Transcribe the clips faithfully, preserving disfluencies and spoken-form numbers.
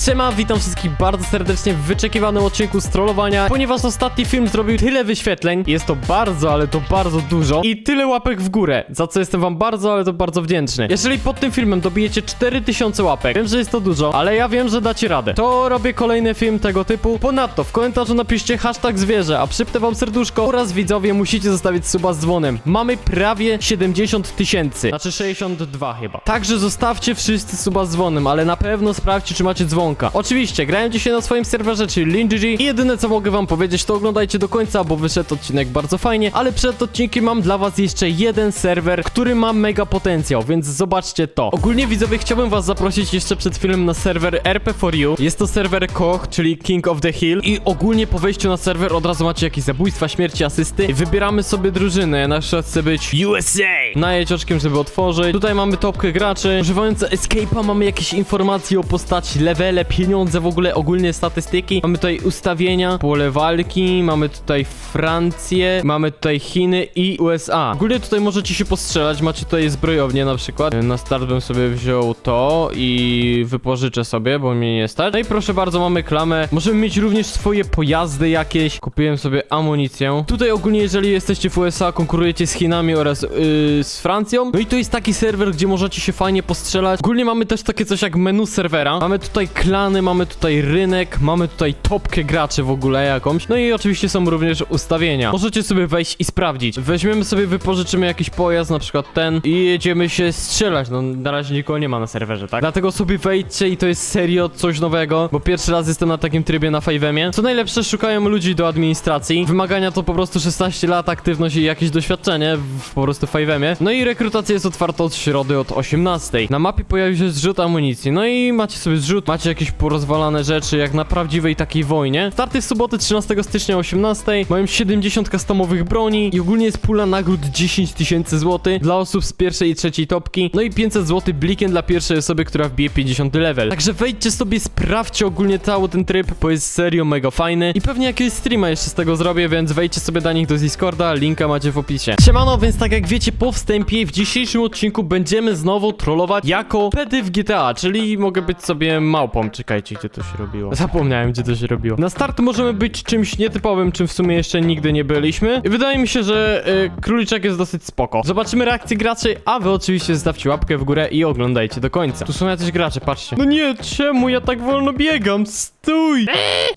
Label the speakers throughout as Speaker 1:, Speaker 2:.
Speaker 1: Siema, witam wszystkich bardzo serdecznie w wyczekiwanym odcinku z trollowania, ponieważ ostatni film zrobił tyle wyświetleń, jest to bardzo, ale to bardzo dużo i tyle łapek w górę, za co jestem wam bardzo, ale to bardzo wdzięczny. Jeżeli pod tym filmem dobijecie cztery tysiące łapek, wiem, że jest to dużo, ale ja wiem, że dacie radę, to robię kolejny film tego typu. Ponadto w komentarzu napiszcie hashtag zwierzę, a przypnę wam serduszko oraz widzowie musicie zostawić suba z dzwonem. Mamy prawie siedemdziesiąt tysięcy, znaczy sześćdziesiąt dwa chyba. Także zostawcie wszyscy suba z dzwonem, ale na pewno sprawdźcie, czy macie dzwonka. Oczywiście, grałem dzisiaj na swoim serwerze, czyli LinGG i jedyne co mogę wam powiedzieć, to oglądajcie do końca, bo wyszedł odcinek bardzo fajnie, ale przed odcinkiem mam dla was jeszcze jeden serwer, który ma mega potencjał, więc zobaczcie to. Ogólnie widzowie, chciałbym was zaprosić jeszcze przed filmem na serwer R P four U. Jest to serwer Koch, czyli King of the Hill i ogólnie po wejściu na serwer od razu macie jakieś zabójstwa, śmierci, asysty. Wybieramy sobie drużynę, ja na przykład chcę być U S A. Najedź oczkiem, żeby otworzyć. Tutaj mamy topkę graczy. Używając Escape'a mamy jakieś informacje o postaci, levele, pieniądze, w ogóle ogólnie statystyki. Mamy tutaj ustawienia, pole walki, mamy tutaj Francję, mamy tutaj Chiny i U S A. Ogólnie tutaj możecie się postrzelać, macie tutaj zbrojownię na przykład. Na start bym sobie wziął to i wypożyczę sobie, bo mnie nie stać. No i proszę bardzo, mamy klamę. Możemy mieć również swoje pojazdy jakieś. Kupiłem sobie amunicję. Tutaj ogólnie, jeżeli jesteście w U S A, konkurujecie z Chinami oraz yy, z Francją. No i to jest taki serwer, gdzie możecie się fajnie postrzelać. Ogólnie mamy też takie coś jak menu serwera. Mamy tutaj klany, mamy tutaj rynek, mamy tutaj topkę graczy w ogóle jakąś. No i oczywiście są również ustawienia. Możecie sobie wejść i sprawdzić. Weźmiemy sobie, wypożyczymy jakiś pojazd, na przykład ten i jedziemy się strzelać. No na razie nikogo nie ma na serwerze, tak? Dlatego sobie wejdźcie i to jest serio coś nowego, bo pierwszy raz jestem na takim trybie na five emie. Co najlepsze, szukają ludzi do administracji. Wymagania to po prostu szesnaście lat, aktywność i jakieś doświadczenie w po prostu five emie. No i rekrutacja jest otwarta od środy od osiemnastej. Na mapie pojawił się zrzut amunicji. No i macie sobie zrzut, macie jakieś porozwalane rzeczy, jak na prawdziwej takiej wojnie. Starty w sobotę trzynastego stycznia o osiemnastej. Mają siedemdziesiąt customowych broni i ogólnie jest pula nagród dziesięć tysięcy złotych dla osób z pierwszej i trzeciej topki. No i pięćset złotych blikiem dla pierwszej osoby, która wbije pięćdziesiąty level. Także wejdźcie sobie, sprawdźcie ogólnie cały ten tryb, bo jest serio mega fajny i pewnie jakiegoś streama jeszcze z tego zrobię, więc wejdźcie sobie do nich do Discorda, linka macie w opisie. Siemano, więc tak jak wiecie po wstępie, w dzisiejszym odcinku będziemy znowu trollować jako pedy w G T A, czyli mogę być sobie małpą. Czekajcie, gdzie to się robiło. Zapomniałem, gdzie to się robiło. Na start możemy być czymś nietypowym, czym w sumie jeszcze nigdy nie byliśmy. I wydaje mi się, że y, króliczek jest dosyć spoko. Zobaczymy reakcję graczy, a wy oczywiście zostawcie łapkę w górę i oglądajcie do końca. Tu są jacyś gracze, patrzcie. No nie, czemu ja tak wolno biegam? Stój!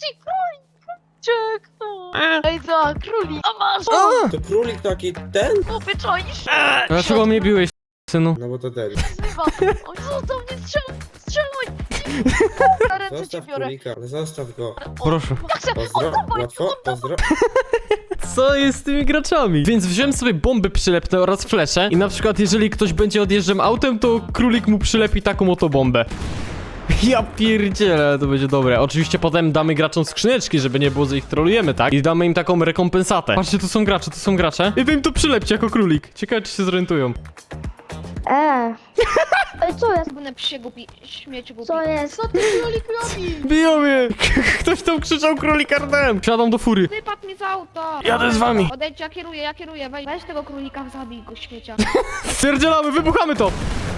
Speaker 2: Czek, no. Ej, co, królik, a masz!
Speaker 1: A!
Speaker 3: To królik taki ten?
Speaker 2: O, wyczaisz!
Speaker 1: Dlaczego mnie biłeś, synu?
Speaker 3: No bo to ten.
Speaker 2: Zbywa! Oj, zostaw mnie, strzeluj! Strzeluj! Na ręce cię
Speaker 3: Zostaw
Speaker 2: biorę!
Speaker 3: królika, zostaw go.
Speaker 2: O,
Speaker 1: Proszę.
Speaker 2: Maxa,
Speaker 3: Pozdro,
Speaker 2: oddawaj,
Speaker 3: łatwo, pozdro.
Speaker 1: Co jest z tymi graczami? Więc wziąłem sobie bomby przylepne oraz flesze i na przykład jeżeli ktoś będzie odjeżdżał autem, to królik mu przylepi taką oto bombę. Ja pierdzielę, to będzie dobre. Oczywiście potem damy graczom skrzyneczki, żeby nie było, że ich trolujemy, tak? I damy im taką rekompensatę. Patrzcie, tu są gracze, tu są gracze. I wy im to przylepcie jako królik. Ciekawe, czy się zorientują.
Speaker 4: Eee. Ej, co jest?
Speaker 2: Będę psie głupi, śmieci głupi.
Speaker 4: Co jest?
Speaker 2: Co ty, królik, robi?
Speaker 1: Biją mnie! Ktoś tam krzyczał królik ardem! Wsiadam do fury.
Speaker 2: Wypadł mi z auta!
Speaker 1: Jadę z wami.
Speaker 2: Odejdź, ja kieruję, ja kieruję. Weź, weź tego królika, zabij go, śmiecia.
Speaker 1: Stwierdzielamy, wybuchamy to!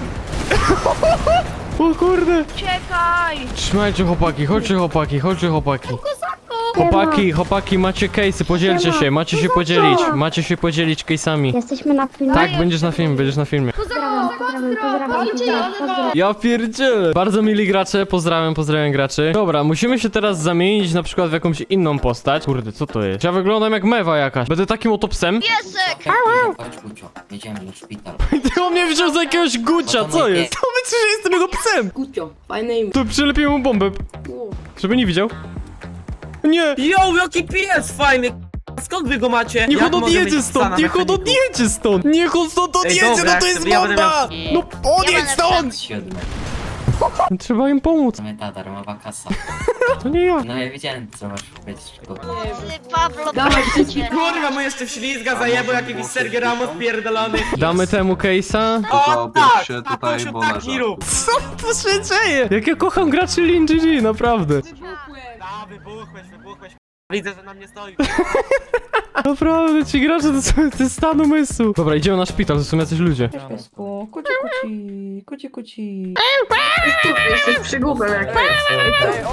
Speaker 1: O kurde!
Speaker 2: Uciekaj!
Speaker 1: Trzymajcie chłopaki, chodźcie chłopaki, chodźcie chłopaki. Chłopaki, chłopaki, macie case'y, podzielcie się, macie się podzielić, macie się podzielić case'ami.
Speaker 4: Jesteśmy na filmie.
Speaker 1: Tak, będziesz na filmie, będziesz na filmie.
Speaker 4: Pozdrawiam, pozdrawiam, pozdrawiam, pozdrawiam, pozdrawiam.
Speaker 1: Ja pierdzielę. Bardzo mili gracze, pozdrawiam, pozdrawiam graczy. Dobra, musimy się teraz zamienić na przykład w jakąś inną postać. Kurde, co to jest? Ja wyglądam jak mewa jakaś. Będę takim oto psem.
Speaker 2: Piesek!
Speaker 5: Chodź, Gucio, jedziemy do szpitala.
Speaker 1: Ty on mnie wziął za jakiegoś gucia, co jest? To myślisz, że jestem jego psem.
Speaker 6: Gucio, fajne imię.
Speaker 1: To przylepiłem mu bombę, żeby nie widział. Nie!
Speaker 6: Yo, jaki pies fajny! Skąd wy go macie?
Speaker 1: Niech
Speaker 6: Jak
Speaker 1: on
Speaker 6: mogę
Speaker 1: odjedzie
Speaker 6: mieć
Speaker 1: stąd,
Speaker 6: psa na
Speaker 1: niech on
Speaker 6: mechaniku?
Speaker 1: odjedzie stąd! Niech on stąd
Speaker 6: Ej,
Speaker 1: odjedzie,
Speaker 6: dobra,
Speaker 1: no to
Speaker 6: jak
Speaker 1: jest
Speaker 6: sobie ja będę
Speaker 1: bomba! No odjedź stąd!
Speaker 5: Siódmy.
Speaker 1: Trzeba im pomóc.
Speaker 5: Mamy ta darmowa kasa.
Speaker 1: To nie ja.
Speaker 5: No ja wiedziałem, co masz powiedzieć. szkoda.
Speaker 2: Ty, Pablo,
Speaker 6: Dawaj,
Speaker 2: proszę cię.
Speaker 6: kurwa, mu jeszcze ślizga zajebał jakiś Sergio Ramos pierdolony.
Speaker 1: Damy temu case'a.
Speaker 6: O tak,
Speaker 7: się
Speaker 6: tak,
Speaker 7: tutaj,
Speaker 6: Guciu,
Speaker 7: bo
Speaker 6: tak
Speaker 7: leżę.
Speaker 6: mi rób.
Speaker 1: Co tu się dzieje? Jak ja kocham graczy LinGG, naprawdę.
Speaker 6: Da, wybuchłeś, wybuchłeś. Widzę, że na mnie stoi.
Speaker 1: Naprawdę, ci gracze to, są, to jest stan umysłu. Dobra, idziemy na szpital, to są jacyś ludzie.
Speaker 8: Piesku, kuci kuci, kuci kuci.
Speaker 9: Jesteś przygłupem jak to jest.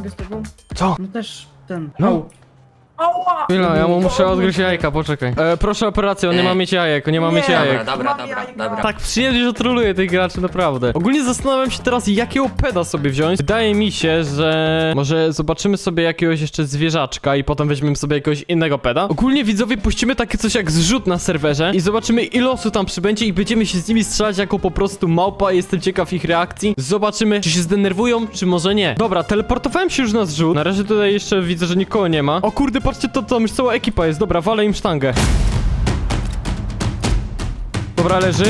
Speaker 7: mogę z tobą?
Speaker 1: Co?
Speaker 7: No też ten.
Speaker 1: No.
Speaker 7: Au. Ała!
Speaker 1: Chwila, ja mu muszę odgryźć jajka, poczekaj. E, proszę operację, on nie ma mieć jajek, on nie ma mieć
Speaker 7: Nie.
Speaker 1: jajek.
Speaker 5: Dobra, dobra,
Speaker 7: Mam
Speaker 5: dobra,
Speaker 7: jajka.
Speaker 5: dobra.
Speaker 1: Tak przyjemnie, że troluję tych graczy, naprawdę. Ogólnie zastanawiam się teraz, jakiego peda sobie wziąć. Wydaje mi się, że może zobaczymy sobie jakiegoś jeszcze zwierzaczka i potem weźmiemy sobie jakiegoś innego peda. Ogólnie widzowie puścimy takie coś jak zrzut na serwerze i zobaczymy, ile osób tam przybędzie i będziemy się z nimi strzelać jako po prostu małpa. Jestem ciekaw ich reakcji. Zobaczymy, czy się zdenerwują, czy może nie. Dobra, teleportowałem się już na zrzut. Na razie tutaj jeszcze widzę, że nikogo nie ma. O kurde, patrzcie, to tam już cała ekipa jest. Dobra, walę im sztangę. Dobra, leży.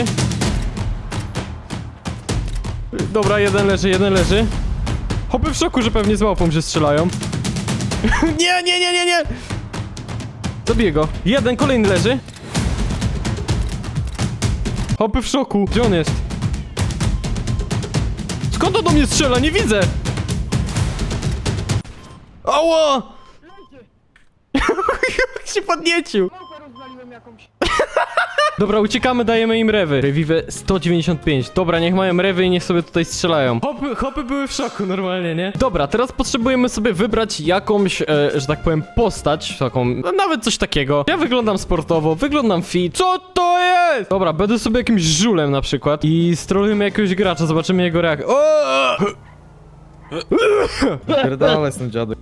Speaker 1: Dobra, jeden leży, jeden leży. Hopy w szoku, że pewnie z małpą się strzelają. Nie, nie, nie, nie, nie! Zabiję go. Jeden, kolejny leży. Hopy w szoku. Gdzie on jest? Skąd on do mnie strzela? Nie widzę! Ała! Jak się podniecił! Dobra, uciekamy, dajemy im rewy. Rewiwe sto dziewięćdziesiąt pięć. Dobra, niech mają rewy i niech sobie tutaj strzelają. Hopy, hopy były w szoku normalnie, nie? Dobra, teraz potrzebujemy sobie wybrać jakąś, e, że tak powiem, postać. Taką, no, nawet coś takiego. Ja wyglądam sportowo, wyglądam fit. Co to jest? Dobra, będę sobie jakimś żulem na przykład i strolujemy jakiegoś gracza, zobaczymy jego reakcję. O!
Speaker 8: Pierdolę z tym dziadem.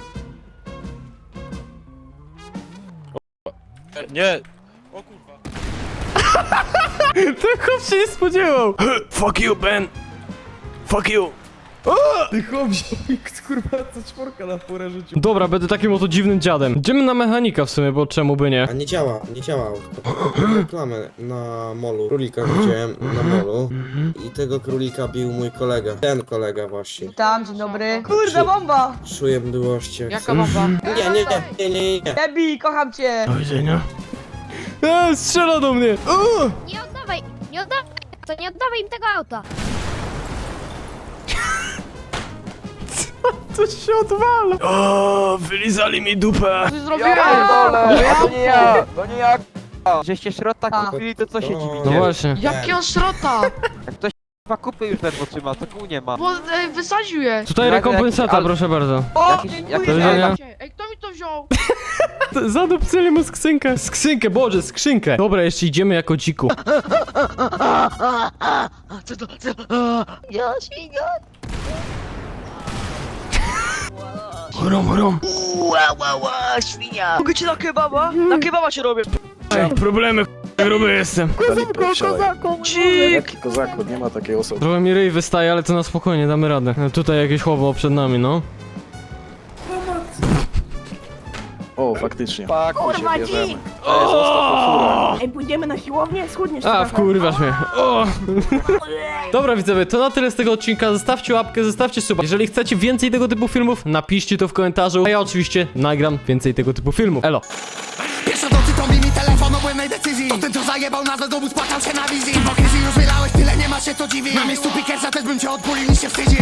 Speaker 6: Nie! O kurwa.
Speaker 1: Ten chłop się nie spodziewał. Fuck you, Ben. Fuck you.
Speaker 8: Ty chłop, kurwa, co czworka na porę rzucił.
Speaker 1: Dobra, będę takim oto dziwnym dziadem. Idziemy na mechanika w sumie, bo czemu by nie?
Speaker 3: A nie działa, nie działa autko. Reklamę na molu. Królika widziałem na molu i tego królika bił mój kolega. Ten kolega właśnie.
Speaker 9: Tam, dzień dobry.
Speaker 3: Kurde,
Speaker 9: Kurde, bomba!
Speaker 3: Czuję mdłości. jak
Speaker 9: Jaka
Speaker 3: coś.
Speaker 9: bomba?
Speaker 3: Nie, nie, nie, nie, nie, nie.
Speaker 9: Debi, kocham cię!
Speaker 1: Do widzenia. Eee, strzela do mnie. O!
Speaker 4: Nie oddawaj, nie oddawaj, to nie oddawaj im tego auta.
Speaker 1: Coś się odwala. O, wylizali mi dupę.
Speaker 9: Coś zrobiłem!
Speaker 6: To nie ja! To nie ja!
Speaker 9: Żeście środka
Speaker 3: kupili,
Speaker 6: to co się
Speaker 3: dziwicie?
Speaker 1: No właśnie.
Speaker 2: Jakiego srota?
Speaker 6: Dwa kupy już ledwo trzyma, to kół nie ma.
Speaker 2: Bo e, wysadził je.
Speaker 1: Tutaj
Speaker 6: Jak-
Speaker 1: rekompensata,
Speaker 6: jak-
Speaker 1: proszę bardzo.
Speaker 9: O,
Speaker 6: Jakiś-
Speaker 9: dziękuję!
Speaker 1: Do widzenia.
Speaker 2: Ej, kto mi to wziął?
Speaker 1: Zadupcyli mu skrzynkę. Skrzynkę, Boże, skrzynkę. Dobra, jeszcze idziemy jako dziku.
Speaker 2: Co to? Co?
Speaker 4: Ja świnia.
Speaker 1: Chrom, chrom.
Speaker 9: Ła, ła, ła, świnia! Mogę ci na kebaba? Na kebaba cię robię!
Speaker 1: Ej, problemy, ch- gruby jestem.
Speaker 9: Cik!
Speaker 8: Jaki kozaku, nie ma takiej osoby.
Speaker 1: Trochę mi ryj wystaje, ale to na spokojnie, damy radę. E, Tutaj jakieś chłopo przed nami, no.
Speaker 8: O, faktycznie.
Speaker 9: Kurwa, dzik!
Speaker 8: Ej, zostaw furę.
Speaker 9: Ej, pójdziemy na siłownię? Schudniesz
Speaker 1: A, wkurwasz mnie. O! Dobra, widzowie, to na tyle z tego odcinka. Zostawcie łapkę, zostawcie suba. Jeżeli chcecie więcej tego typu filmów, napiszcie to w komentarzu. A ja oczywiście nagram więcej tego typu filmów. Elo!
Speaker 10: Pierwsza nocy to mi telefon o błędnej decyzji. To ten co zajebał nazwę dowód, płakał się na wizji. Hipokryzji już wylałeś, tyle nie ma się co dziwić. Na miejscu Pickersa też bym cię odpulił, niż się wstydzi.